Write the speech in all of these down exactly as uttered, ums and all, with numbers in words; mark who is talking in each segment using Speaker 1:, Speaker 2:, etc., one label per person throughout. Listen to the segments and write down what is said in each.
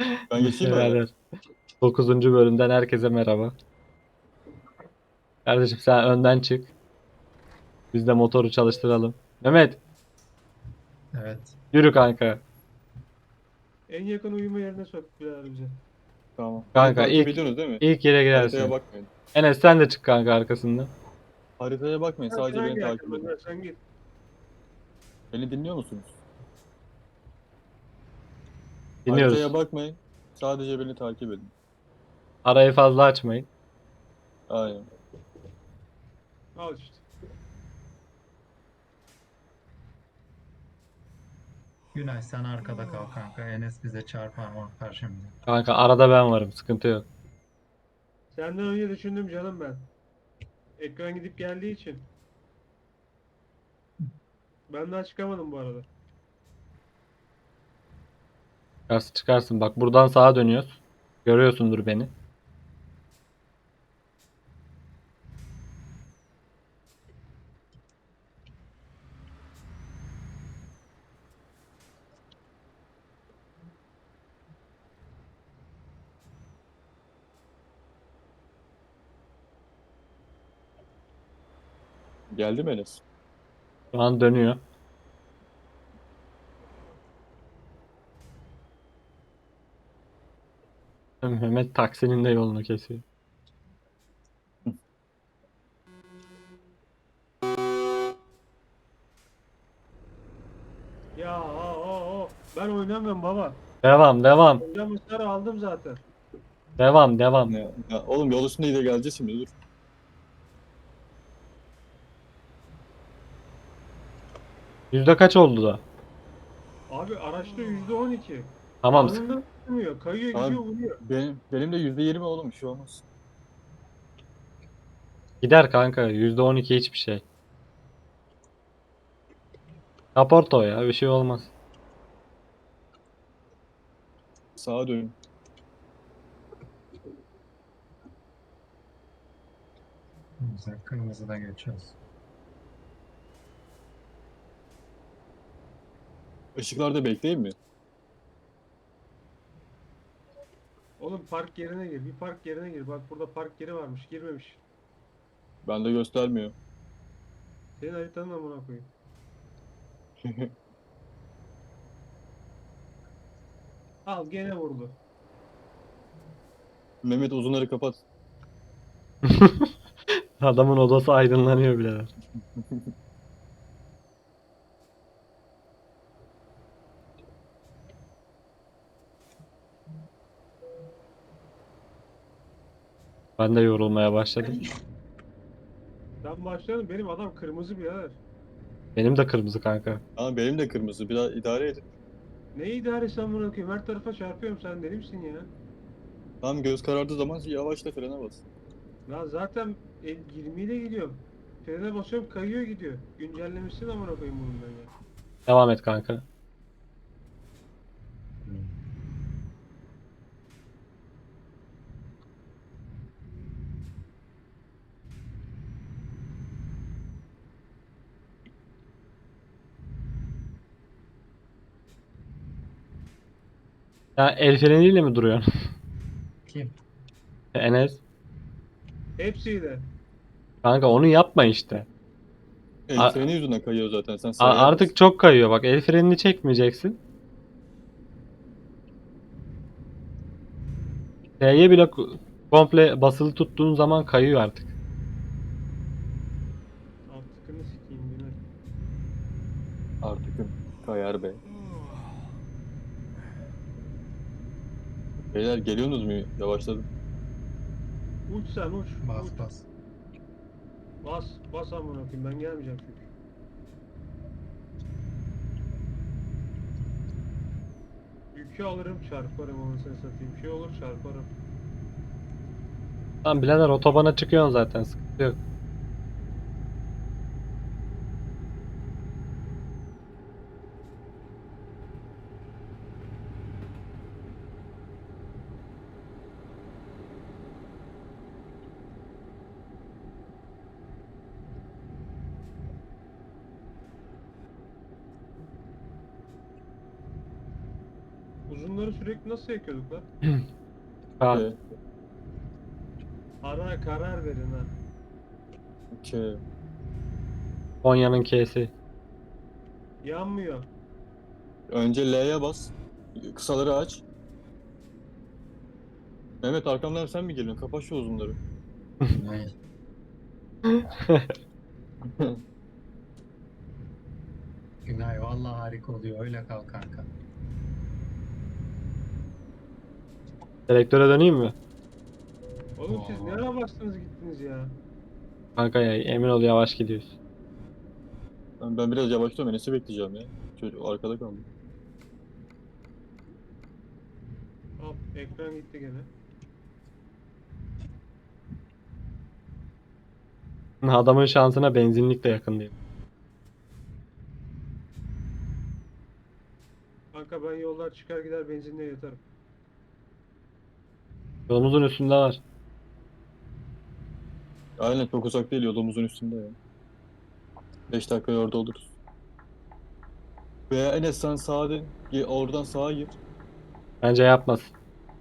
Speaker 1: Ben geçeyim mi öyle?
Speaker 2: Birader. dokuzuncu bölümden herkese merhaba. Kardeşim sen önden çık. Biz de motoru çalıştıralım. Mehmet
Speaker 3: Evet.
Speaker 2: yürü kanka.
Speaker 4: En yakın uyuma yerine sok birader bize.
Speaker 1: Tamam. Beni
Speaker 2: Kanka
Speaker 1: takip
Speaker 2: ilk
Speaker 1: ediyorsunuz değil mi?
Speaker 2: ilk yere
Speaker 1: Haritaya
Speaker 2: girersin.
Speaker 1: bakmayın.
Speaker 2: Enes sen de çık kanka arkasından.
Speaker 1: Haritaya bakmayın.
Speaker 4: Ha, sen
Speaker 1: Sadece beni
Speaker 4: hangi
Speaker 1: takip
Speaker 4: yakın?
Speaker 1: edin.
Speaker 4: Ha, sen git.
Speaker 1: Beni dinliyor musunuz? Haritaya
Speaker 2: Dinliyoruz.
Speaker 1: bakmayın. Sadece beni takip edin.
Speaker 2: Arayı fazla açmayın.
Speaker 1: Aynen.
Speaker 4: Al işte.
Speaker 3: Günay sen arkada kal kanka. Enes bize çarpar mı karşımıza.
Speaker 2: Kanka arada ben varım. Sıkıntı yok.
Speaker 4: Senden önce düşündüm canım ben. Ekran gidip geldiği için. Ben daha çıkamadım bu arada.
Speaker 2: Çıkarsın çıkarsın. Bak buradan sağa dönüyoruz. Görüyorsundur beni.
Speaker 1: Geldi mi Enes?
Speaker 2: Şu an dönüyor. Mehmet taksinin de yolunu kesiyor.
Speaker 4: Ya o o o. Ben oynamıyorum baba.
Speaker 2: Devam devam.
Speaker 4: Oynamışları aldım zaten.
Speaker 2: Devam devam.
Speaker 1: Ya, ya, oğlum yol üstünde de geleceğiz şimdi dur.
Speaker 2: Yüzde kaç oldu da?
Speaker 4: Abi araçta yüzde on iki.
Speaker 2: Tamam sık.
Speaker 4: Anında tutmuyor. Kayıyor
Speaker 1: Abi
Speaker 4: gidiyor vuruyor.
Speaker 1: benim, benim de yüzde yirmi oğlum bir şey olmaz.
Speaker 2: Gider kanka. Yüzde on iki hiçbir şey. Kaporto ya. Bir şey olmaz.
Speaker 1: Sağa dönün.
Speaker 3: Güzel. Kırmızıda geçiyoruz.
Speaker 1: Işıklarda bekleyin mi?
Speaker 4: Oğlum park yerine gir. Bir park yerine gir. Bak burada park yeri varmış. Girmemiş.
Speaker 1: Bende göstermiyor.
Speaker 4: Senin haritanın amına koyayım. Al gene vurdu.
Speaker 1: Mehmet uzunları kapat.
Speaker 2: Adamın odası aydınlanıyor bile. Ben de yorulmaya başladım.
Speaker 4: Ben başladım. Benim adam kırmızı birader.
Speaker 2: Benim de kırmızı kanka.
Speaker 1: Ama benim de kırmızı. Biraz idare edin.
Speaker 4: Ne idaresi amına koyayım? Her tarafa çarpıyorum. Sen deli misin ya?
Speaker 1: Tam göz karardığı zaman yavaşla frene bas.
Speaker 4: Ya zaten el yirmi ile gidiyorum. Frene basıyorum kayıyor gidiyor. Güncellemişsin amına koyayım bunun ben ya.
Speaker 2: Devam et kanka. Ya el freniyle mi duruyorsun?
Speaker 3: Kim?
Speaker 2: Enes.
Speaker 4: Hepsiyle.
Speaker 2: Kanka onu yapma işte.
Speaker 1: El
Speaker 2: A-
Speaker 1: freni yüzünden kayıyor zaten. Sen
Speaker 2: a-
Speaker 1: sıraya bas.
Speaker 2: artık çok kayıyor. Bak el frenini çekmeyeceksin. T'ye bile ku- komple basılı tuttuğun zaman kayıyor artık.
Speaker 4: Artıkını sikeyim Günay.
Speaker 1: Artık kayar be. Beyler geliyorsunuz mu? Yavaşladım.
Speaker 4: Uç sen uç.
Speaker 3: Bas
Speaker 4: uç.
Speaker 3: bas.
Speaker 4: Bas. Bas amına koyayım ben gelmeyeceğim çünkü. Yükü alırım çarparım anasını satayım. Şey olur çarparım.
Speaker 2: Tamam birader otobana çıkıyorsun zaten. Sıkıntı yok.
Speaker 4: Uzunları sürekli nasıl yakıyorduk lan?
Speaker 2: Ha,
Speaker 1: Ee,
Speaker 4: Ara karar verin ha.
Speaker 1: K.
Speaker 2: Konya'nın K'si.
Speaker 4: Yanmıyor.
Speaker 1: Önce L'ye bas. Kısaları aç. Mehmet arkamdan sen mi geliyorsun? Kapat şu uzunları.
Speaker 3: Günay. Günay vallahi harika oluyor. Öyle kal kanka.
Speaker 2: Selektöre döneyim mi?
Speaker 4: Oğlum siz
Speaker 3: Oo.
Speaker 4: ne ara bastınız gittiniz ya?
Speaker 2: Kanka ya emin ol yavaş gidiyoruz.
Speaker 1: Ben, ben biraz yavaşlıyorum. Enes'i bekleyeceğim ya. Çocuk arkada kaldı.
Speaker 4: Hop ekran gitti gene.
Speaker 2: Adamın şansına benzinlik de yakındayım.
Speaker 4: Kanka ben yollar çıkar gider benzinliğe yatarım.
Speaker 2: Yolumuzun üstünde var.
Speaker 1: Aynen çok uzak değil. Yolumuzun üstünde ya. beş dakikaya orada oluruz. Veya Enes sen sağa dön. Ge- Oradan sağa gir.
Speaker 2: Bence yapmasın.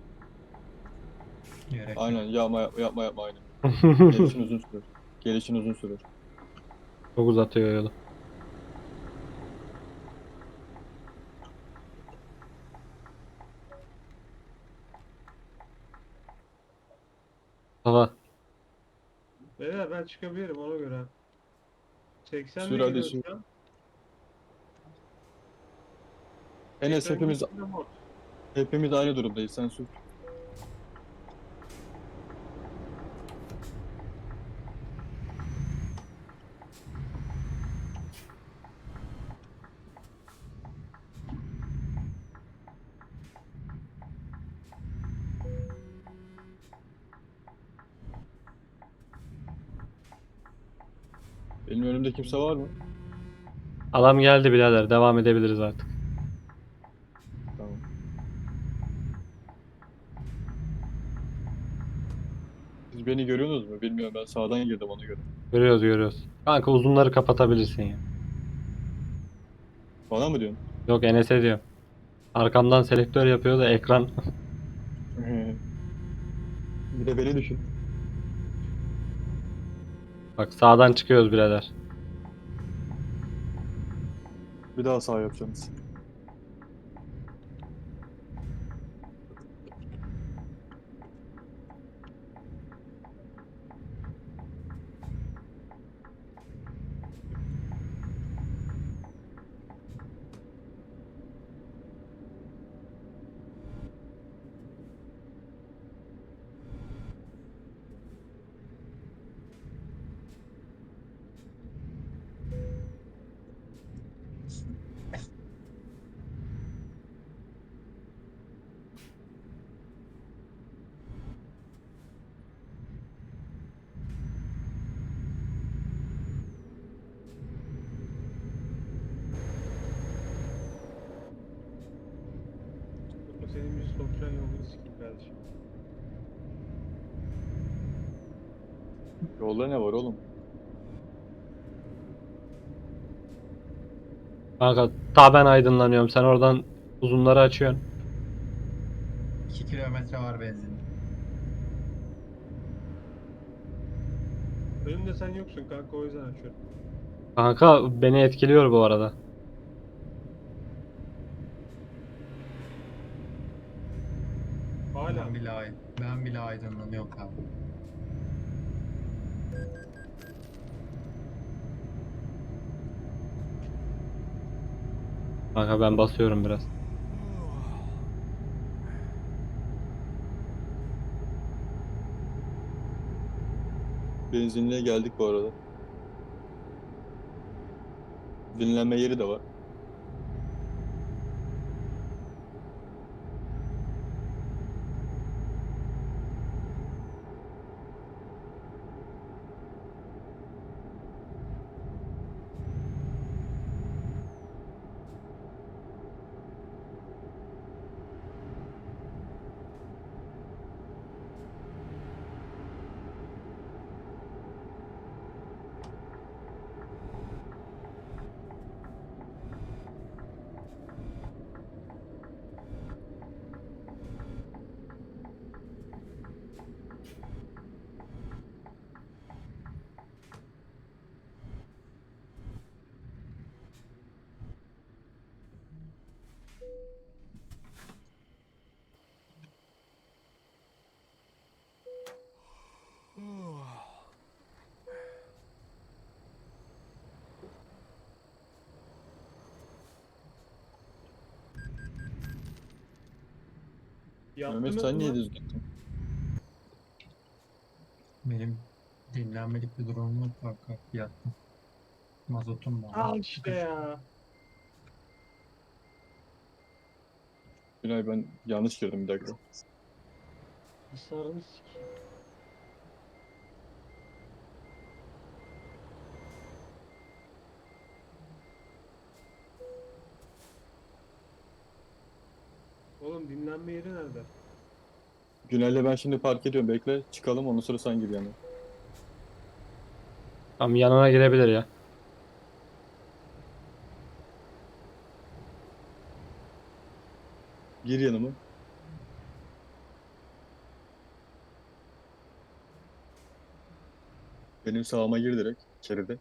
Speaker 3: Gerek yok.
Speaker 1: Aynen yapma yapma yapma yapma aynen. Gelişin uzun sürer. Gelişin uzun sürer.
Speaker 2: Çok uzatıyor yolu. Hava.
Speaker 4: Beyler ben çıkabilirim ona göre. seksen
Speaker 1: Sür
Speaker 4: de
Speaker 1: hadi
Speaker 4: gidiyoruz
Speaker 1: sür.
Speaker 4: şu an.
Speaker 1: Enes
Speaker 4: Ekran
Speaker 1: hepimiz
Speaker 4: gitti de mod.
Speaker 1: hepimiz aynı durumdayız. Sen sür. Benim önümde kimse var mı?
Speaker 2: Adam geldi birader. Devam edebiliriz artık.
Speaker 1: Tamam. Siz beni görüyorsunuz mu? Bilmiyorum ben sağdan girdim ona göre.
Speaker 2: Görüyoruz görüyoruz. Kanka uzunları kapatabilirsin ya.
Speaker 1: Bana mı diyorsun?
Speaker 2: Yok Enes'e diyor. Arkamdan selektör yapıyor da ekran.
Speaker 1: Bir de beni düşün.
Speaker 2: Bak sağdan çıkıyoruz birader.
Speaker 1: Bir daha sağ yapacaksınız.
Speaker 4: O senin bir sokacağın yolunu sikeyim kardeşim.
Speaker 1: Yolda ne var oğlum?
Speaker 2: Kanka ta ben aydınlanıyorum. Sen oradan uzunları açıyorsun.
Speaker 3: iki kilometre var benzin.
Speaker 4: Önümde sen yoksun kanka o yüzden açıyorum.
Speaker 2: Kanka beni etkiliyor bu arada.
Speaker 4: Hala.
Speaker 3: Ben bile, ay- ben bile aydınlanıyorum kanka.
Speaker 2: Kanka ben basıyorum biraz.
Speaker 1: Benzinliğe geldik bu arada. Dinlenme yeri de var. Mehmet
Speaker 4: Yaptınız
Speaker 1: sen niye
Speaker 4: mı?
Speaker 1: düz gittin?
Speaker 3: Benim dinlenmelik bir durumum yok kanka. Yattım. Mazotum var.
Speaker 4: Al işte ya.
Speaker 1: Günay ben yanlış girdim bir dakika.
Speaker 4: Hisarını sikeyim. Oğlum dinlenme yeri nerede?
Speaker 1: Günay'la ben şimdi park ediyorum bekle. Çıkalım ondan sonra sen gir yani.
Speaker 2: Tam yanına girebilir ya.
Speaker 1: Gir yanıma. Benim sağıma gir direkt. İçeride.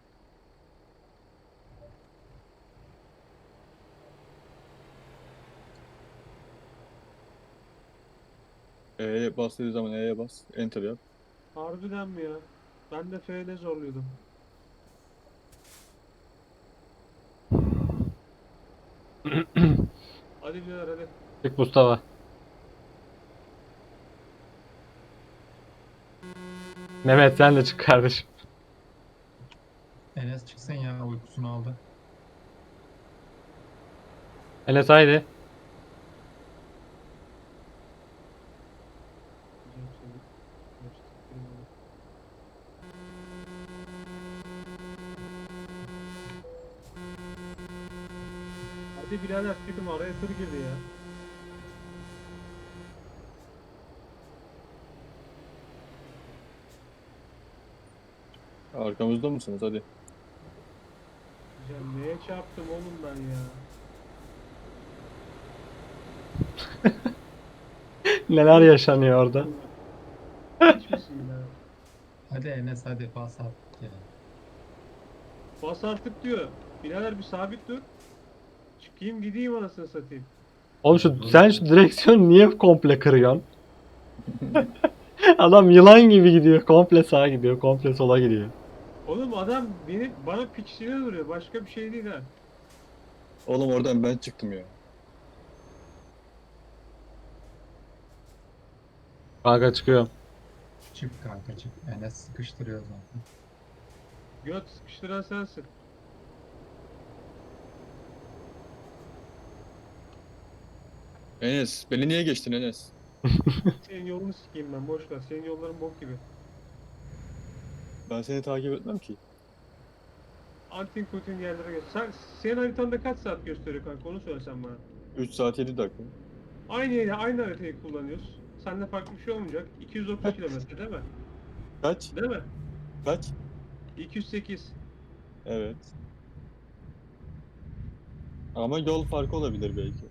Speaker 1: E'ye bas dediği zaman E'ye bas. Enter yap.
Speaker 4: Harbiden mi ya? Ben de F'de zorluyordum. Hadi birader hadi.
Speaker 2: Çık Mustafa. Mehmet sen de çık kardeşim.
Speaker 3: Enes çıksın ya, uykusunu aldı.
Speaker 2: Enes haydi.
Speaker 4: Güzel seni. Geçtik, bilmiyorum. Hadi birader çıkın araya tır girdi ya.
Speaker 1: Arkamızda mısınız? Hadi.
Speaker 4: Güzel neye çarptım oğlum ben ya.
Speaker 2: Neler yaşanıyor orada.
Speaker 4: Hiçbir şey ya.
Speaker 3: Hadi Enes, hadi bas artık ya.
Speaker 4: Bas artık diyor. Birader bir sabit dur. Çıkayım gideyim anasını satayım.
Speaker 2: Oğlum şu sen şu direksiyonu niye komple kırıyorsun? Adam yılan gibi gidiyor. Komple sağa gidiyor. Komple sola gidiyor.
Speaker 4: Oğlum adam beni bana piçliğine duruyor. Başka bir şey değil ha.
Speaker 1: Oğlum oradan ben çıktım ya.
Speaker 2: Kanka çıkıyorum.
Speaker 3: Çık kanka çık. Enes sıkıştırıyor zaten.
Speaker 4: Göt sıkıştıran sensin.
Speaker 1: Enes beni niye geçtin Enes?
Speaker 4: Senin yolunu sikeyim ben boş ver. Senin yolların bok gibi.
Speaker 1: Ben seni takip etmem ki.
Speaker 4: Antin kutin yerlere geç. Sen, senin haritanda kaç saat gösteriyor kanka onu söylesen bana.
Speaker 1: üç saat yedi dakika.
Speaker 4: Aynı yeri aynı haritayı kullanıyoruz. Seninle farklı bir şey olmayacak. iki yüz otuz kilometre değil mi?
Speaker 1: Kaç?
Speaker 4: Değil mi?
Speaker 1: Kaç?
Speaker 4: iki yüz sekiz.
Speaker 1: Evet. Ama yol farkı olabilir belki.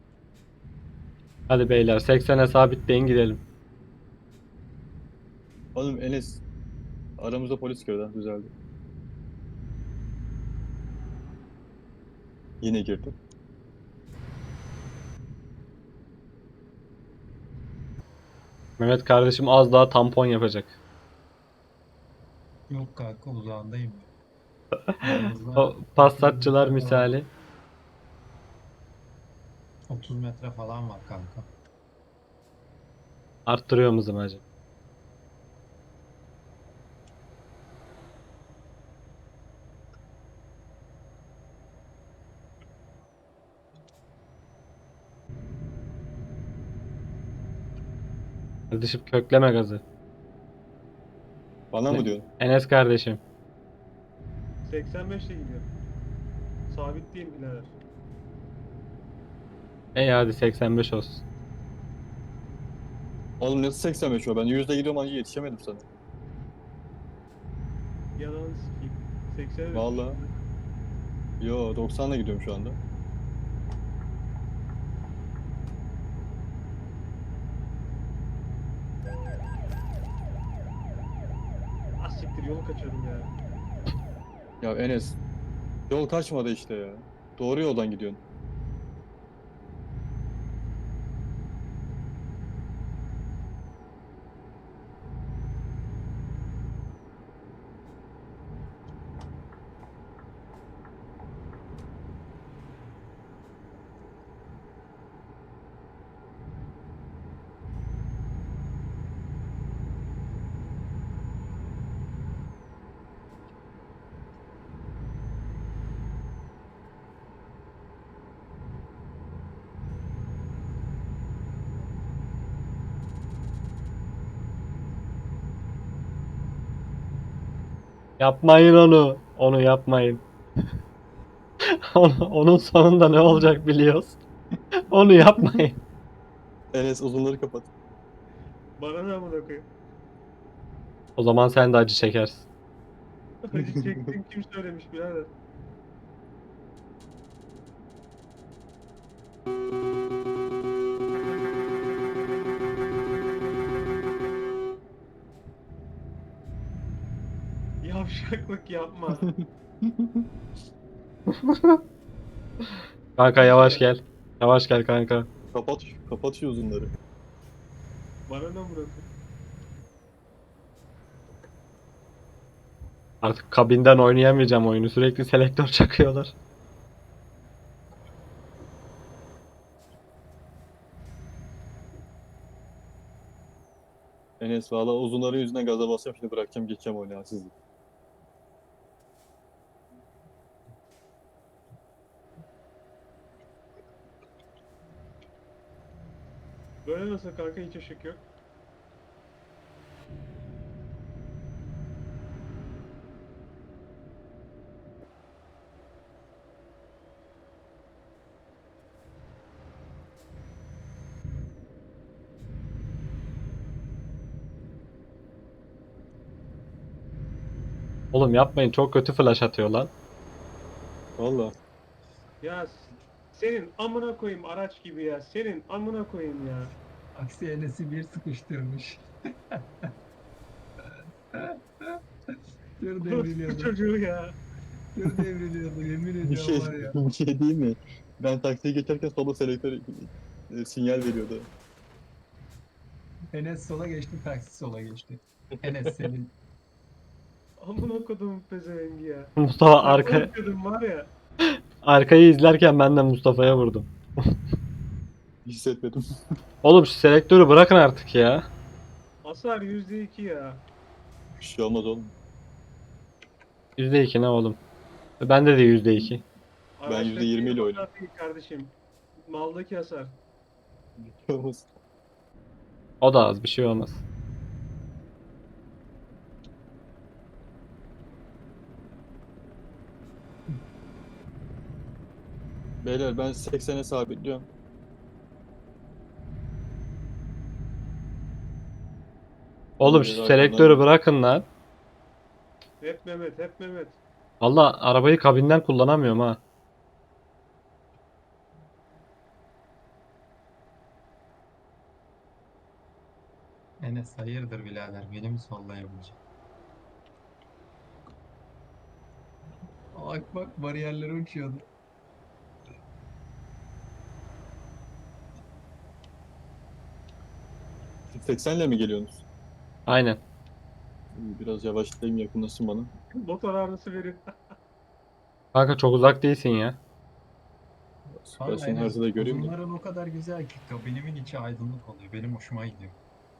Speaker 2: Hadi beyler seksene sabitleyin gidelim.
Speaker 1: Oğlum Enes aramızda polis girdi ha, düzeldi. Yine girdi.
Speaker 2: Mehmet kardeşim az daha tampon yapacak.
Speaker 3: Yok kanka, uzağındayım. Aramızda
Speaker 2: O passatçılar misali.
Speaker 3: otuz metre falan var kanka.
Speaker 2: Arttırıyor musun hacı? Kardeşim kökleme gazı.
Speaker 1: Bana mı diyorsun?
Speaker 2: Enes kardeşim.
Speaker 4: seksen beş ile gidiyor. Sabitleyeyim birader.
Speaker 2: Ey hadi seksen beş olsun.
Speaker 1: Oğlum nasıl seksen beş o? Ben yüzde gidiyorum anca yetişemedim sana.
Speaker 4: Yalanı sikeyim. seksen
Speaker 1: Vallahi. Yo doksanla gidiyorum şu anda.
Speaker 4: Ah siktir yolu kaçırdım ya.
Speaker 1: Ya Enes yol kaçmadı işte ya. Doğru yoldan gidiyorsun.
Speaker 2: Yapmayın onu. Onu yapmayın. Onu- Onun sonunda ne olacak biliyoruz. Onu yapmayın.
Speaker 1: Enes uzunları kapat.
Speaker 4: Bana ne amına koyayım?
Speaker 2: O zaman sen de acı çekersin.
Speaker 4: Acı çektiğim kim söylemiş birader? Yavşaklık yapma.
Speaker 2: Kanka yavaş gel. Yavaş gel kanka.
Speaker 1: Kapat, kapat şu uzunları.
Speaker 4: Bana ne amına koyayım?
Speaker 2: Artık kabinden oynayamayacağım oyunu. Sürekli selektör çakıyorlar.
Speaker 1: Enes valla uzunların yüzünden gaza basacağım, şimdi bırakacağım, geçeceğim oyunu ya sizi.
Speaker 4: Böyle nasıl kanka, hiç ışık yok.
Speaker 2: Oğlum yapmayın, çok kötü flash atıyor lan.
Speaker 1: Valla.
Speaker 4: Ya s- senin amına koyayım araç gibi ya. Senin amına koyayım ya.
Speaker 3: Aksi Enes'i bir sıkıştırmış. Tır
Speaker 4: Bu
Speaker 3: devriliyordu.
Speaker 4: çocuğu ya.
Speaker 3: Tır devriliyordu. Yemin
Speaker 1: Bir
Speaker 3: ediyorum
Speaker 1: şey,
Speaker 3: var ya.
Speaker 1: bir şey değil mi? Ben taksiye geçerken sola selektör e, sinyal veriyordu.
Speaker 3: Enes sola geçti, taksi sola geçti. Enes senin.
Speaker 4: Amına kodumun pezevengi ya.
Speaker 2: Mustafa
Speaker 4: Takla
Speaker 2: arka
Speaker 4: atıyordum var ya.
Speaker 2: arkayı izlerken ben de Mustafa'ya vurdum.
Speaker 1: Hissetmedim.
Speaker 2: Oğlum şu selektörü bırakın artık ya.
Speaker 4: Hasar yüzde iki ya.
Speaker 1: Bir şey olmaz oğlum.
Speaker 2: yüzde iki ne oğlum? Bende de yüzde iki.
Speaker 1: Ben yüzde yirmi ile oynadım.
Speaker 4: Hasar değil kardeşim. Maldaki hasar.
Speaker 1: Bir şey olmaz.
Speaker 2: O da az, bir şey olmaz.
Speaker 1: Beyler ben seksene sabitliyorum.
Speaker 2: Oğlum
Speaker 1: Ee,
Speaker 2: şu
Speaker 1: arkamdan
Speaker 2: selektörü
Speaker 1: geliyor.
Speaker 2: bırakın lan.
Speaker 4: Hep Mehmet, hep Mehmet.
Speaker 2: Valla arabayı kabinden kullanamıyorum ha.
Speaker 3: Enes hayırdır birader, beni mi sollayabilecek? Bak bak, bariyerlere uçuyordu.
Speaker 1: seksenle mi geliyorsunuz?
Speaker 2: Aynen.
Speaker 1: İyi, biraz yavaşlayayım, yakınlaşın bana.
Speaker 4: Motor ağrısı verir.
Speaker 2: Kanka çok uzak değilsin ya.
Speaker 1: Ben
Speaker 3: Valla
Speaker 1: seni
Speaker 3: Enes,
Speaker 1: haritada göreyim de.
Speaker 3: uzunların o kadar güzel ki kabinimin içi aydınlık oluyor. Benim hoşuma gidiyor.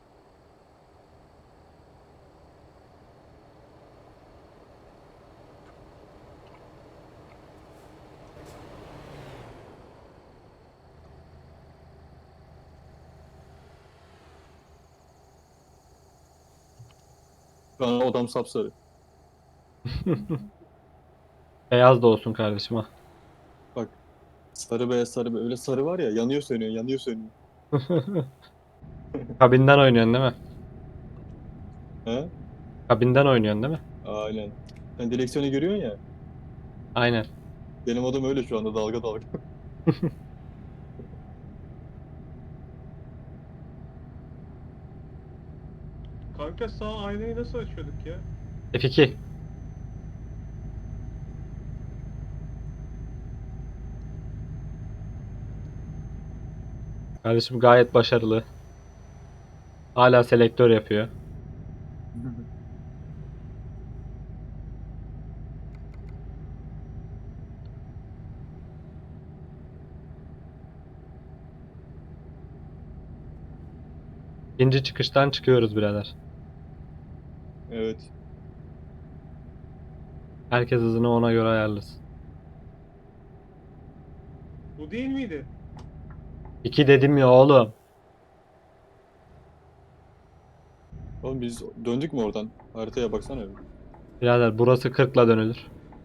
Speaker 1: Bana odam sapsarı.
Speaker 2: Beyaz da olsun kardeşim ha.
Speaker 1: Bak, sarı beyaz sarı beyaz. Öyle sarı var ya, yanıyor sönüyor, yanıyor sönüyor.
Speaker 2: Kabinden oynuyorsun değil mi?
Speaker 1: He?
Speaker 2: Kabinden oynuyorsun değil mi?
Speaker 1: Aynen. Sen direksiyonu görüyorsun ya.
Speaker 2: Aynen.
Speaker 1: Benim odam öyle şu anda, dalga dalga.
Speaker 4: Kanka sağ aynayı nasıl açıyorduk ya?
Speaker 2: F iki. Kardeşim gayet başarılı. Hala selektör yapıyor. İkinci çıkıştan çıkıyoruz birader.
Speaker 1: Evet.
Speaker 2: Herkes hızını ona göre ayarlasın.
Speaker 4: Bu değil miydi?
Speaker 2: İki dedim ya oğlum.
Speaker 1: Oğlum biz döndük mü oradan? Haritaya baksana bir.
Speaker 2: Birader burası kırkla dönülür.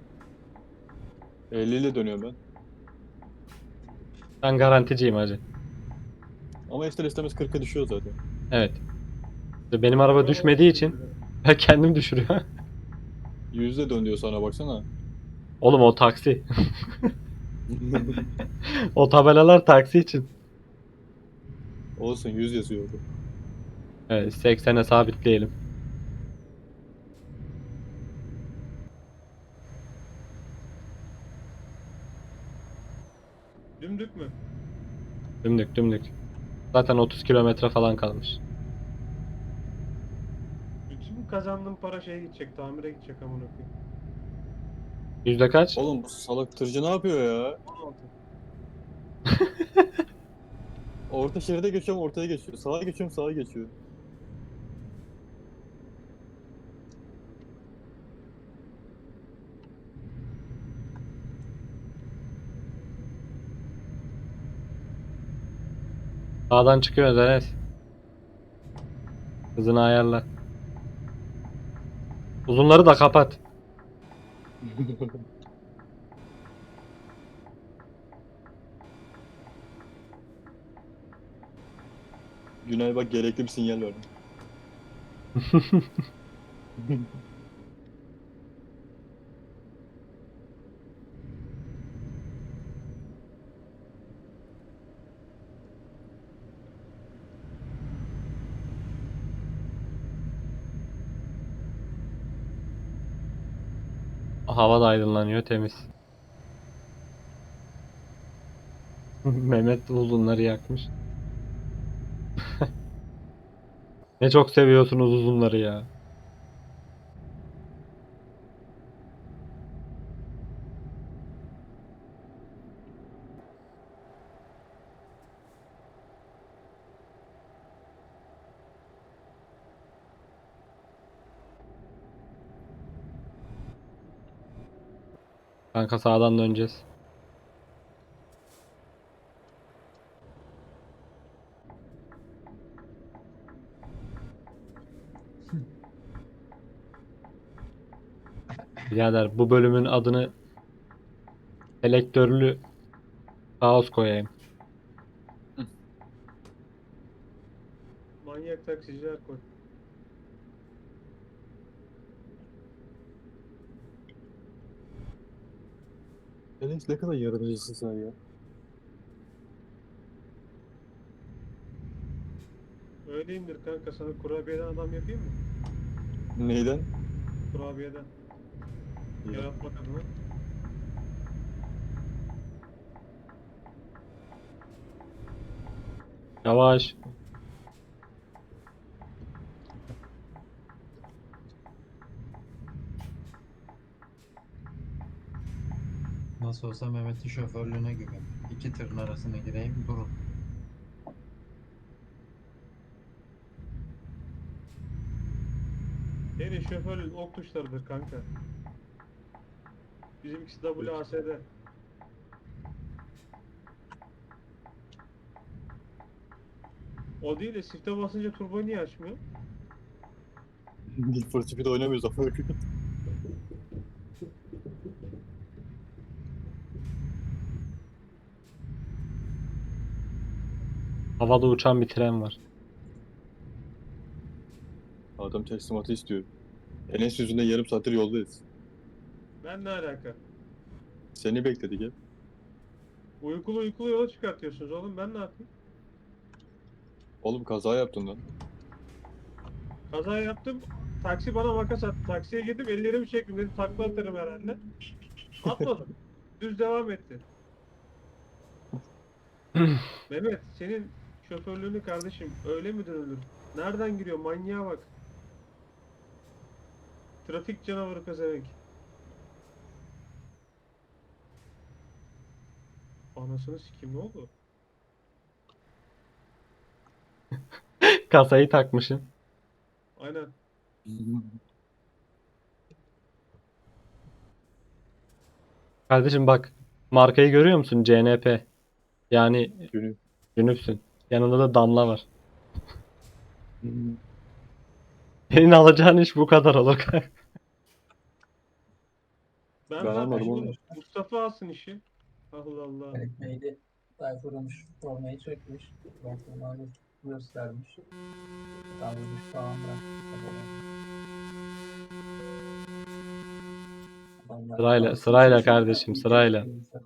Speaker 1: elli ile dönüyorum ben.
Speaker 2: Ben garanticiyim hacı.
Speaker 1: Ama ister istemez kırka düşüyor zaten.
Speaker 2: Evet. İşte benim araba düşmediği için ben kendim düşürüyor.
Speaker 1: Yüzde dön diyor sana baksana.
Speaker 2: Oğlum o taksi. O tabelalar taksi için.
Speaker 1: Olsun yüz yazıyor orada.
Speaker 2: Evet, seksene sabitleyelim.
Speaker 4: Dümdük mü?
Speaker 2: Dümdük dümdük. Zaten otuz kilometre falan kalmış.
Speaker 4: Bütün kazandığım para şeye gidecek, tamire gidecek amına koyayım.
Speaker 2: Yüzde kaç?
Speaker 1: Oğlum bu salak tırcı ne yapıyor ya?
Speaker 4: on altı.
Speaker 1: Orta şeride geçiyorum ortaya geçiyor. Sağa geçiyorum sağa geçiyor.
Speaker 2: Sağdan çıkıyoruz Enes. Hızını ayarla. Uzunları da kapat.
Speaker 1: Günay bak gerekli bir sinyal verdim.
Speaker 2: Hava da aydınlanıyor, temiz. Mehmet uzunları yakmış. Ne çok seviyorsunuz uzunları ya. Kanka sağdan döneceğiz. Birader bu bölümün adını selektörlü kaos koyayım.
Speaker 4: Manyak taksiciler koy.
Speaker 1: Enes ne kadar yaratıcısın sen ya.
Speaker 4: Öyleyimdir kanka, sana kurabiyeden adam yapayım mı?
Speaker 1: Neyden?
Speaker 4: Kurabiyeden. Yaratmak adına.
Speaker 2: Yavaş.
Speaker 3: Nasıl olsa Mehmet'in şoförlüğüne güven. İki tırın arasına gireyim durun.
Speaker 4: Senin şoförün ok tuşlarıdır kanka. Bizimkisi W A S D. O değil de shift'e basınca turbo niye açmıyor?
Speaker 1: Need for Speed oynamıyoruz ama.
Speaker 2: Havada uçan bir tren var.
Speaker 1: Adam teslimatı istiyor. Enes yüzünden yarım saattir yoldayız.
Speaker 4: Ben ne alaka?
Speaker 1: Seni bekledik hep.
Speaker 4: Uykulu uykulu yola çıkartıyorsunuz oğlum, ben ne yapayım?
Speaker 1: Oğlum kaza yaptın lan.
Speaker 4: Kaza yaptım. Taksi bana makas attı. Taksiye gittim, ellerimi çektim, dedim takla atarım herhalde. Atmadım. Düz devam etti. Mehmet, senin şoförlüğünü kardeşim öyle mi dönülür? Nereden giriyor? Manyağa bak. Trafik canavarı pezevenk. Anasını sikeyim, ne oldu?
Speaker 2: Kasayı takmışım.
Speaker 4: Aynen.
Speaker 2: Kardeşim bak. Markayı görüyor musun? C N P. Yani
Speaker 1: Günü.
Speaker 2: Cünüpsün. Yanında da damla var. Senin alacağın iş bu kadar olur kanka.
Speaker 4: Ben,
Speaker 1: Ben
Speaker 4: zaten
Speaker 1: almadım
Speaker 4: oğlum,
Speaker 1: onu.
Speaker 4: Mustafa alsın işi. Allah Allah.
Speaker 5: Ekmeği Tayfur'umuş, formayı sökmüş. Bakımlarını göstermiş. Kaldırmış falan bırakmış. Adamlar
Speaker 2: Sırayla,
Speaker 5: bazı
Speaker 2: sırayla
Speaker 5: seçim
Speaker 2: kardeşim,
Speaker 5: yapıyor,
Speaker 2: sırayla.
Speaker 5: ülke-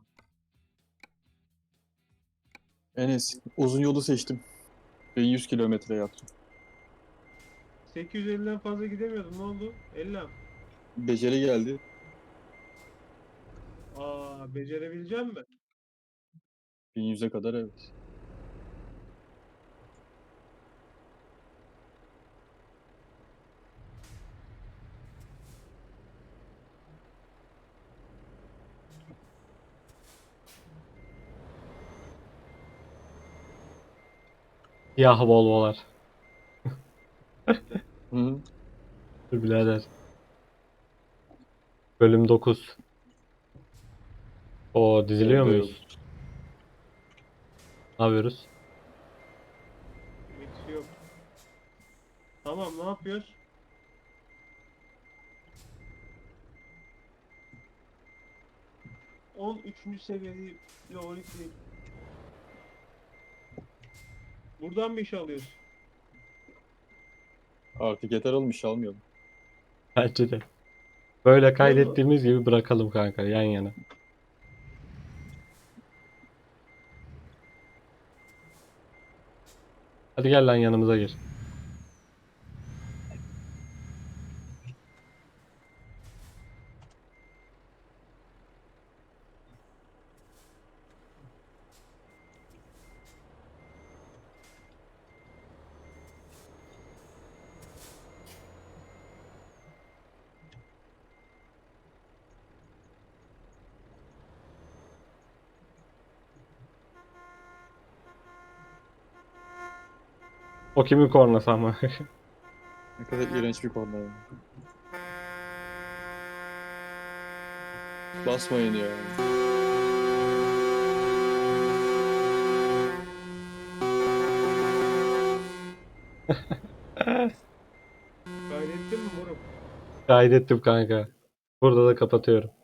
Speaker 1: Enes uzun yolu seçtim. bin yüz kilometre yaptım.
Speaker 4: sekiz yüz elliden fazla gidemiyordum. Ne oldu? elli.
Speaker 1: Beceri geldi.
Speaker 4: Aa, becerebileceğim mi?
Speaker 1: bin yüze kadar evet.
Speaker 2: Siyah Volvo'lar.
Speaker 1: Hı.
Speaker 2: Dur birader. Bölüm dokuz. O diziliyor
Speaker 1: Evde yok.
Speaker 2: muyuz? Ne yapıyoruz?
Speaker 4: Eksi yok. Tamam, ne yapıyoruz? on üçüncü seviyeli Leonik. Buradan mı iş alıyoruz?
Speaker 1: Artık yeter olmuş almıyorum.
Speaker 2: Bence de. Böyle
Speaker 4: Biliyor musun?
Speaker 2: kaydettiğimiz gibi bırakalım kanka yan yana. Hadi gel lan yanımıza gir. O kimin kornası ama?
Speaker 1: Ne kadar iğrenç bir konu ya. Basmayın ya.
Speaker 4: Kaydettin mi moruk?
Speaker 2: Kaydettim kanka. Burada da kapatıyorum.